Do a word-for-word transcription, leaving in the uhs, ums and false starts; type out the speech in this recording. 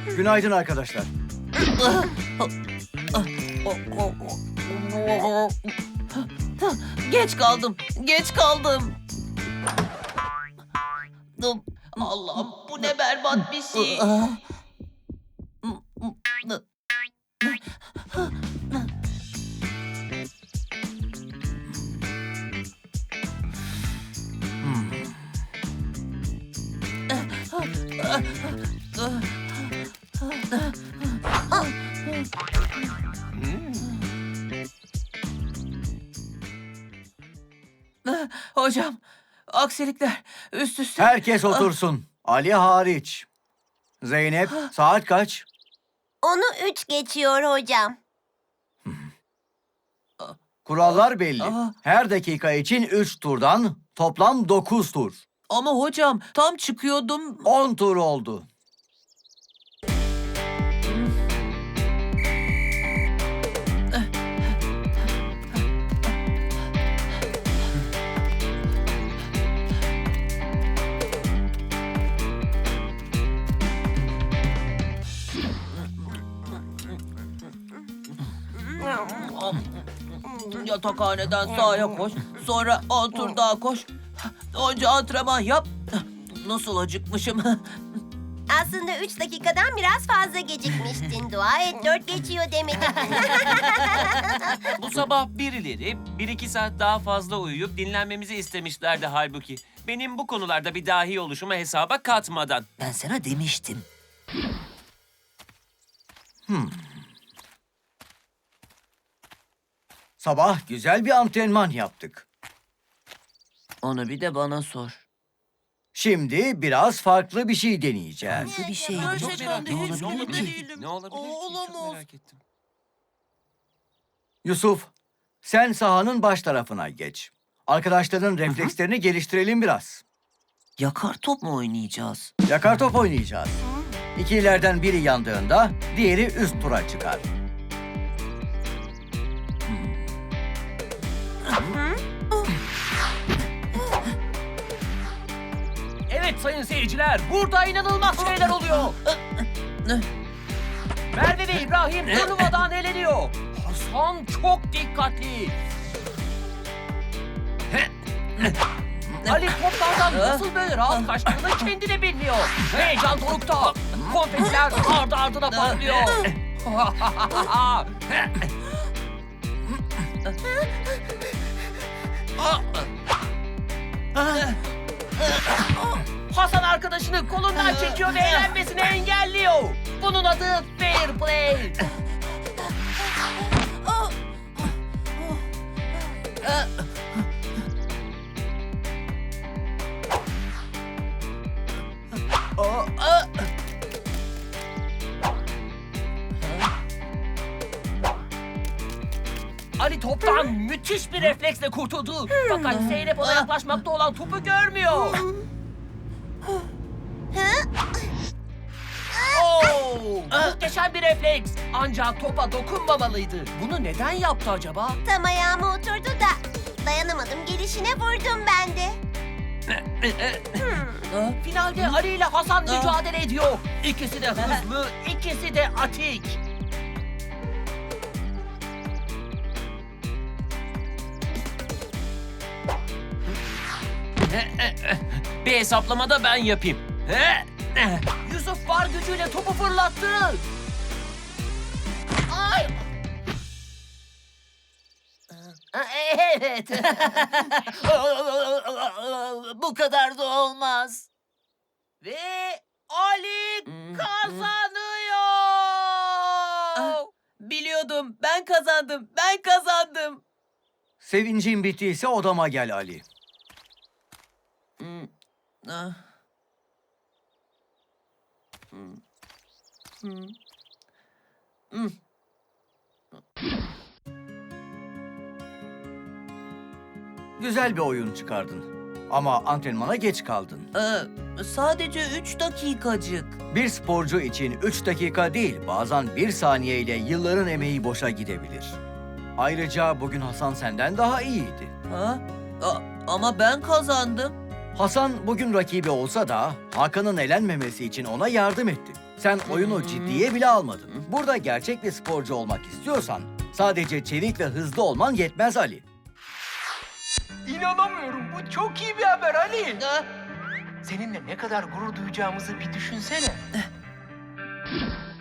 Günaydın arkadaşlar. Geç kaldım, geç kaldım. Allah'ım bu ne berbat bir şey. Hocam, aksilikler üst üste. Herkes otursun. Ali hariç. Zeynep, saat kaç? Onu üç geçiyor hocam. Kurallar belli. Aa. Her dakika için üç turdan toplam dokuz tur. Ama hocam tam çıkıyordum. on tur oldu. Yatakhaneden sağa koş, sonra on tur daha koş. Önce antrenman yap. Nasıl acıkmışım. Aslında üç dakikadan biraz fazla gecikmiştin. Dua et dört geçiyor demedim. Bu sabah birileri bir iki saat daha fazla uyuyup dinlenmemizi istemişlerdi halbuki. Benim bu konularda bir dahi oluşumu hesaba katmadan. Ben sana demiştim. Sabah güzel bir antrenman yaptık. Onu bir de bana sor. Şimdi biraz farklı bir şey deneyeceğiz. Nasıl bir şey? Çok merak Ne ettim. Ne olabilir olabilir ki? ki? Ne olabilir ki? Çok merak ettim. Yusuf, sen sahanın baş tarafına geç. Arkadaşların reflekslerini geliştirelim biraz. Yakar top mu oynayacağız? Yakar top oynayacağız. İkilerden biri yandığında diğeri üst tura çıkar. Evet sayın seyirciler, burada inanılmaz şeyler oluyor. Merve ve İbrahim turnuvadan eleniyor. Hasan çok dikkatli. Ali toplardan nasıl böyle rahat kaçtığını kendi de bilmiyor. Heyecan dorukta. Konfetiler ardı ardına patlıyor. Hasan arkadaşını kolundan çekiyor ve eğlenmesini engelliyor. Bunun adı fair play. Ali toptan müthiş bir refleksle kurtuldu. Fakat Zeynep ona yaklaşmakta olan topu görmüyor. Oo, muhteşem bir refleks. Ancak topa dokunmamalıydı. Bunu neden yaptı acaba? Tam ayağıma oturdu da dayanamadım gelişine vurdum ben de. Finalde Ali ile Hasan mücadele ediyor. İkisi de hızlı, ikisi de atik. Bir hesaplamada ben yapayım. Yusuf var gücüyle topu fırlattı. Ay! Evet. Bu kadar da olmaz. Ve Ali kazanıyor. Biliyordum. Ben kazandım. Ben kazandım. Sevincin bittiyse odama gel Ali. Ah. Güzel bir oyun çıkardın. Ama antrenmana geç kaldın. Ee, sadece üç dakikacık. Bir sporcu için üç dakika değil, bazen bir saniye ile yılların emeği boşa gidebilir. Ayrıca bugün Hasan senden daha iyiydi. Ha? A- ama ben kazandım. Hasan bugün rakibi olsa da Hakan'ın elenmemesi için ona yardım etti. Sen oyunu ciddiye bile almadın. Burada gerçek bir sporcu olmak istiyorsan sadece çevik ve hızlı olman yetmez Ali. İnanamıyorum. Bu çok iyi bir haber Ali. Ha? Seninle ne kadar gurur duyacağımızı bir düşünsene.